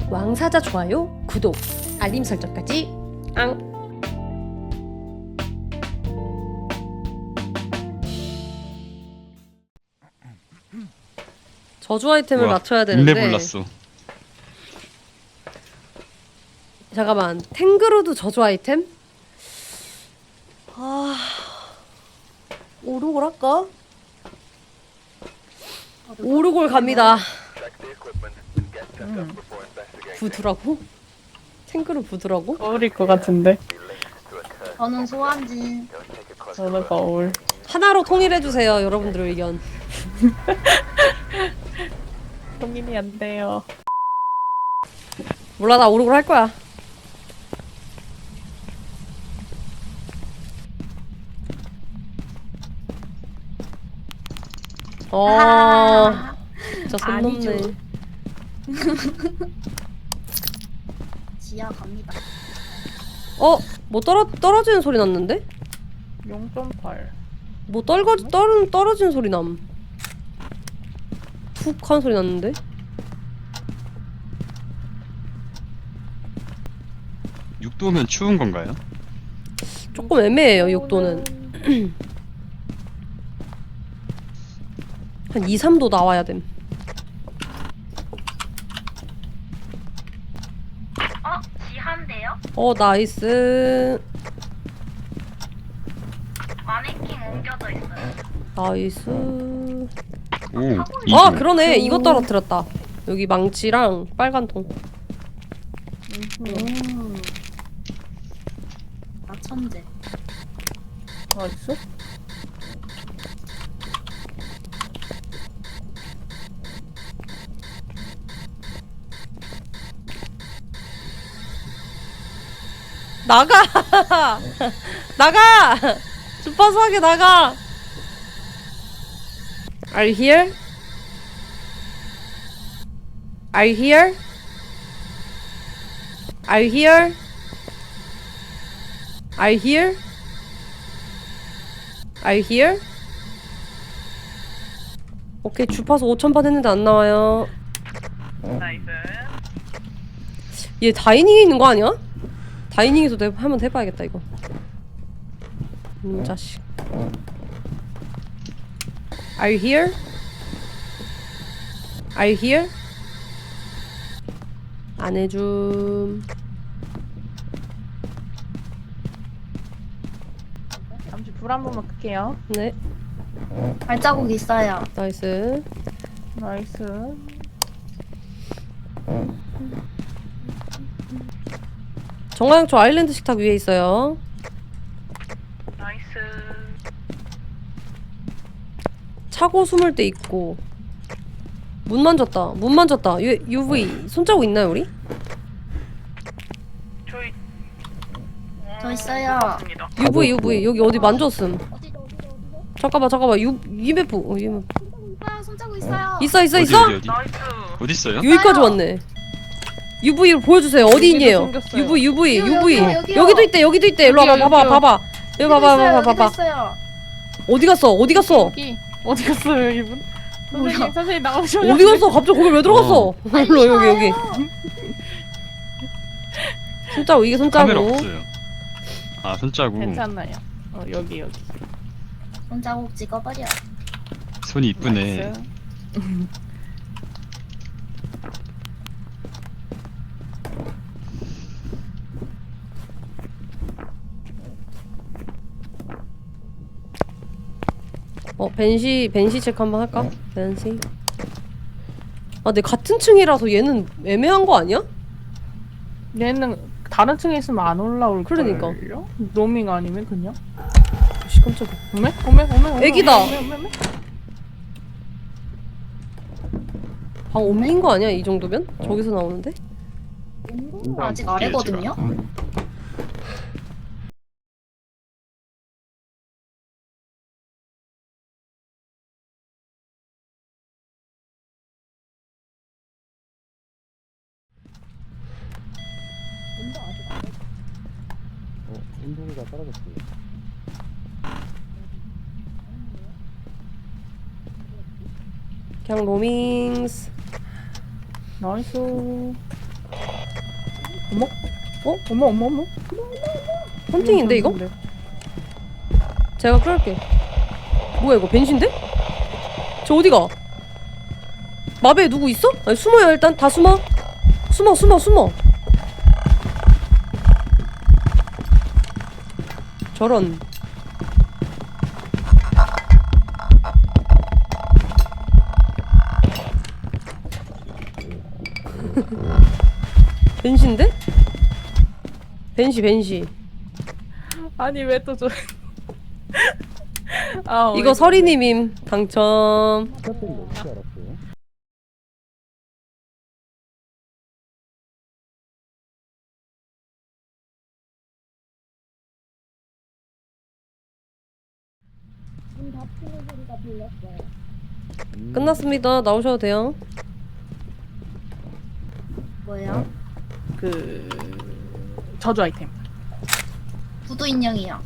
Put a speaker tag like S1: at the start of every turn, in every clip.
S1: 왕사자 좋아요, 구독, 알림 설정까지 앙. 저주 아이템을
S2: 우와,
S1: 맞춰야 되는데
S2: 일레볼랐어.
S1: 잠깐만, 탱그루드 저주 아이템? 오르골 할까? 오르골 갑니다. 부두라고? 탱그루 부두라고?
S3: 거울일 것 같은데.
S4: 저는 소환진.
S3: 저는 거울.
S1: 하나로 통일해주세요, 여러분들 의견.
S3: 통일이 안 돼요.
S1: 몰라, 나 오르골 할 거야. 진짜 손
S4: 아니죠.
S1: 넘네.
S4: 지하 갑니다.
S1: 뭐 떨어지는 소리 났는데?
S3: 0.8.
S1: 뭐 떨어지는 소리 남. 푹 하는 소리 났는데?
S2: 육도면 추운 건가요?
S1: 조금 애매해요, 6도는. 한 2, 3도 나와야 됨.
S4: 지하인데요?
S1: 나이스.
S4: 마네킹 옮겨져 있어요.
S1: 나이스.
S2: 오,
S1: 그러네. 이거 떨어뜨렸다. 여기 망치랑 빨간 통.
S4: 나 천재.
S3: 나이스.
S1: 나가! 나가! 주파수하게 나가! Are you here? Are you here? Are you here? Are you here? Are you here? 오케이, 주파수 5000번 했는데 안 나와요.
S3: 나이스.
S1: 얘 다이닝에 있는 거 아니야? 다이닝에서 한번 해봐야겠다 이거. 자식. Are you here? Are you here? 안 해줌.
S3: 잠시 불 한 번만 끌게요.
S1: 네,
S4: 발자국 있어요.
S1: 나이스.
S3: 나이스.
S1: 정화양초 아일랜드 식탁 위에 있어요.
S3: 나이스.
S1: 차고 숨을 때 있고. 문 만졌다. 문 만졌다. UV 손자국 있나요 우리?
S3: 저희
S4: 저 있어요.
S1: UV 여기 어디 만졌음.
S4: 어디죠?
S1: 잠깐만 EMF. EMF.
S4: 손자국 있어요.
S1: 있어.
S2: 어디?
S3: 나이스.
S2: 어디 있어요?
S1: 여기까지 왔네. UV로 보여주세요. 어디 있니에요?
S3: 생겼어요.
S1: UV.
S4: 여기요.
S1: 여기도 있대. 일로 와봐.
S3: 여기요.
S1: 봐봐. 여기 봐봐.
S4: 있어요.
S1: 어디 갔어?
S3: 여기. 어디 갔어요, 이분?
S4: 뭐야?
S3: 선생님 나오셔요.
S1: 어디 갔어? 갑자기 거기 왜 들어갔어? 일로 여기. 손자국 이게
S2: 카메라
S1: 손자국.
S2: 없어요. 아, 손자국.
S3: 괜찮아요. 여기.
S4: 손자국 찍어버려.
S2: 손이 이쁘네.
S3: 나이스.
S1: 벤시 체크 한번 할까? 벤시. 근데 같은 층이라서 얘는 애매한 거 아니야?
S3: 얘는 다른 층에 있으면 안 올라올
S1: 그러니까.
S3: 걸요? 로밍 아니면 그냥?
S1: 씨, 깜짝이야.
S3: 오메.
S1: 애기다.
S3: 오메.
S1: 방 옮긴 거 아니야? 이 정도면? 저기서 나오는데?
S4: 아직 아래거든요.
S5: 온도가 떨어졌어요.
S1: 그냥 로밍스.
S3: 나이스. 어머?
S1: 어?
S3: 어머.
S1: 헌팅인데 이거? 제가 끌을게. 뭐야 이거 벤신데? 저 어디가? 마베에 누구 있어? 아니 숨어요 일단 다 숨어. 숨어. 저런. 벤시인데? 벤시.
S3: 아니 왜 또 저? 아,
S1: 이거 서리님임 당첨.
S5: 스타트는 어떻게 알았어요?
S1: 끝났습니다. 나오셔도 돼요.
S4: 뭐예요?
S3: 그 저주 아이템.
S4: 구두 인형이요.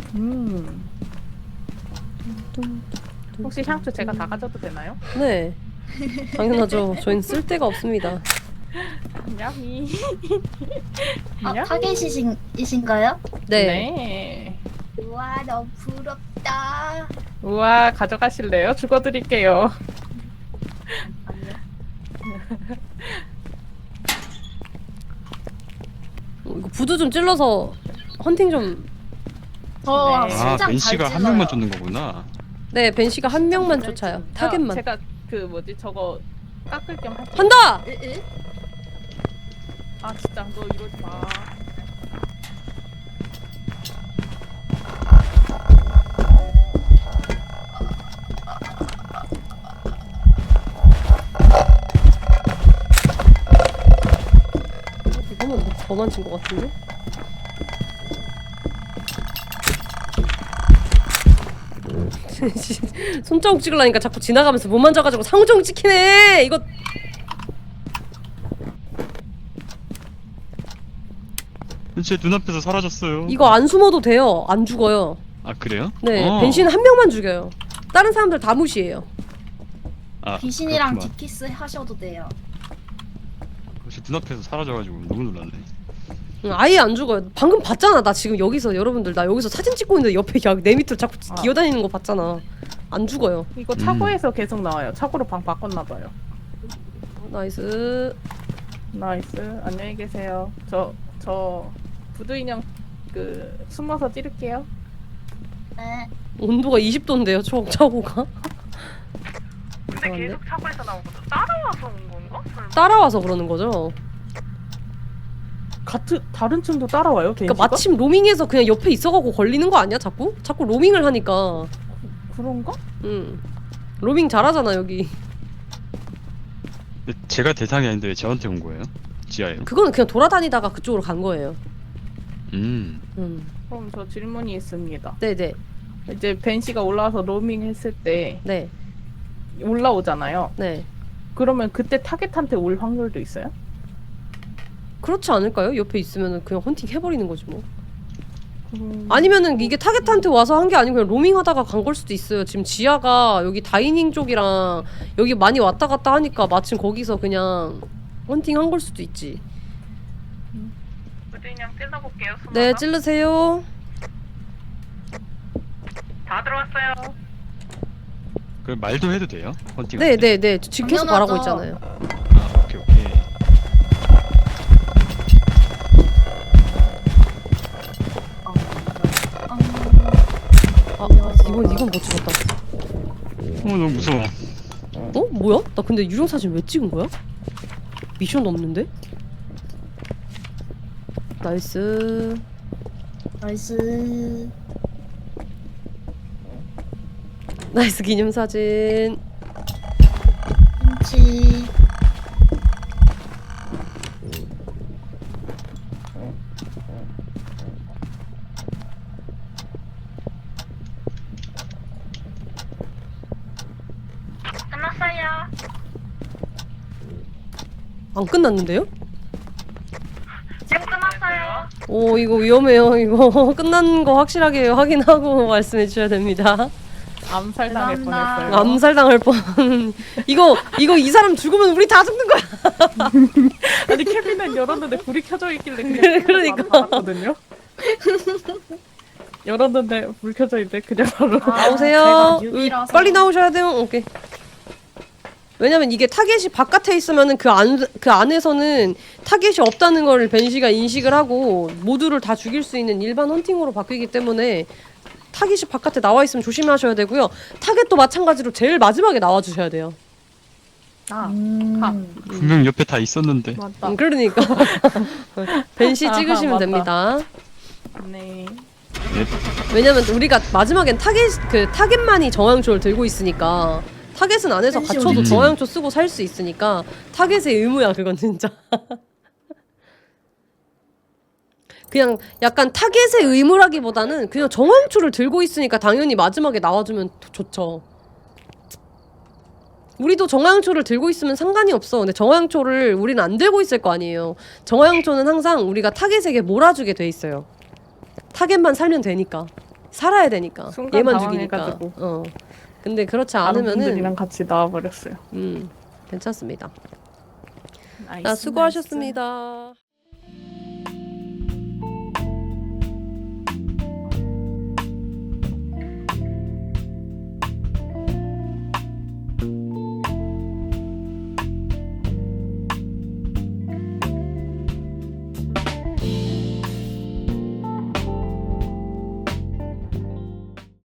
S3: 혹시 향수 제가 다 가져도 되나요?
S1: 네. 당연하죠. 저희는 쓸 데가 없습니다.
S3: 야미.
S4: 아, 타겟이신가요?
S1: 네.
S3: 네.
S4: 우와, 너무 부럽다.
S3: 우와, 가져가실래요? 죽어드릴게요.
S4: 아니요.
S1: 이거 부두 좀 찔러서 헌팅 좀.
S4: 저
S3: 네.
S2: 아
S4: 심장
S2: 벤시가
S4: 잘
S2: 한 명만
S4: 찔러요.
S2: 쫓는 거구나.
S1: 네, 벤시가 한 명만
S4: 찔러요.
S1: 쫓아요. 타겟만.
S3: 제가 그 뭐지 저거 깎을 겸 할게요.
S1: 한다.
S4: 으으.
S3: 아 진짜 너 이러지 마.
S1: 이거만 더만 친 것 같은데? 손자국 찍으려니까 자꾸 지나가면서 못 만져가지고 상종 찍히네. 이거
S2: 제 눈앞에서 사라졌어요.
S1: 이거 안 숨어도 돼요. 안 죽어요.
S2: 아 그래요?
S1: 네,
S2: 어.
S1: 벤시는 한 명만 죽여요. 다른 사람들 다 무시해요.
S2: 아,
S4: 귀신이랑
S2: 그렇구만.
S4: 디키스 하셔도 돼요.
S2: 혹시 눈앞에서 사라져가지고 너무 놀랐네.
S1: 응, 아예 안 죽어요. 방금 봤잖아. 나 지금 여기서 여러분들 나 여기서 사진 찍고 있는데 옆에 내 밑으로 자꾸 기어다니는 거 봤잖아. 안 죽어요.
S3: 이거 차고에서 계속 나와요. 차고로 방 바꿨나 봐요.
S1: 나이스.
S3: 나이스. 안녕히 계세요. 저 부두 인형 그 숨어서 찌를게요.
S4: 네.
S1: 온도가 20도인데요. 차고가.
S3: 근데
S1: 이상한데?
S3: 계속 차고에서 나오거든. 따라와서 온 건가? 설마?
S1: 따라와서 그러는 거죠.
S3: 같은 다른 층도 따라와요?
S1: 그러니까
S3: 벤시가?
S1: 마침 로밍해서 그냥 옆에 있어가고 걸리는 거 아니야? 자꾸 로밍을 하니까.
S3: 그런가?
S1: 응. 로밍 잘하잖아 여기.
S2: 근데 제가 대상이 아닌데 왜 저한테 온 거예요? 지하에요?
S1: 그거는 그냥 돌아다니다가 그쪽으로 간 거예요.
S3: 그럼 저 질문이 있습니다.
S1: 네네.
S3: 이제 벤시가 올라와서 로밍 했을 때
S1: 네.
S3: 올라오잖아요.
S1: 네.
S3: 그러면 그때 타겟한테 올 확률도 있어요?
S1: 그렇지 않을까요? 옆에 있으면은 그냥 헌팅 해버리는 거지 뭐. 아니면은 이게 타겟한테 와서 한 게 아니고 그냥 로밍하다가 간 걸 수도 있어요. 지금 지하가 여기 다이닝 쪽이랑 여기 많이 왔다 갔다 하니까 마침 거기서 그냥 헌팅 한 걸 수도 있지.
S3: 그냥 찔러볼게요.
S1: 네, 찌르세요.
S3: 다 들어왔어요.
S2: 그 말도 해도 돼요? 헌팅.
S1: 네네네. 지금 계속 말하고
S4: 당연하죠.
S1: 있잖아요.
S2: 아 오케이.
S1: 아, 이건 못 찍었다.
S2: 너무 무서워.
S1: 어? 뭐야? 나 근데 유령 사진 왜 찍은 거야? 미션 없는데? 나이스.
S4: 나이스.
S1: 나이스 기념 사진.
S4: 김치.
S3: 끝났어요.
S1: 안 끝났는데요?
S3: 지금 끝났어요.
S1: 오, 이거 위험해요. 이거 끝난 거 확실하게 확인하고 말씀해 주셔야 됩니다.
S3: 암살당할
S4: 죄송합니다.
S3: 뻔했어요.
S1: 암살당할 뻔. 이거 이 사람 죽으면 우리 다 죽는 거야.
S3: 아니 캐비넷 열었는데 불이 켜져 있길래 그냥
S1: 그러니까.
S3: 바로 나갔거든요. 열었는데 불 켜져 있는데 그냥 바로
S1: 나오세요.
S4: 제가 뉴비라서.
S1: 빨리 나오셔야 돼요. 오케이. 왜냐면 이게 타겟이 바깥에 있으면은 그 안에서는 타겟이 없다는 걸 벤시가 인식을 하고 모두를 다 죽일 수 있는 일반 헌팅으로 바뀌기 때문에 타겟이 바깥에 나와 있으면 조심하셔야 되고요. 타겟도 마찬가지로 제일 마지막에 나와 주셔야 돼요.
S2: 분명 옆에 다 있었는데.
S3: 맞다.
S1: 그러니까 벤시
S3: 아하,
S1: 찍으시면
S3: 맞다.
S1: 됩니다.
S3: 네.
S1: 왜냐면 우리가 마지막엔 타겟만이 정황초를 들고 있으니까 타겟은 안에서
S4: 벤시
S1: 갇혀도
S2: 어딨지?
S1: 정황초 쓰고 살 수 있으니까 타겟의 의무야 그건 진짜. 그냥 약간 타겟의 의무라기보다는 그냥 정황초를 들고 있으니까 당연히 마지막에 나와주면 좋죠. 우리도 정황초를 들고 있으면 상관이 없어. 근데 정황초를 우리는 안 들고 있을 거 아니에요. 정황초는 항상 우리가 타겟에게 몰아주게 돼 있어요. 타겟만 살면 되니까. 살아야 되니까.
S3: 순간
S1: 얘만 죽이니까.
S3: 당황해가지고.
S1: 근데 그렇지
S3: 다른
S1: 않으면은
S3: 분들이랑 같이 나와버렸어요.
S1: 괜찮습니다.
S3: 나이스,
S1: 수고하셨습니다.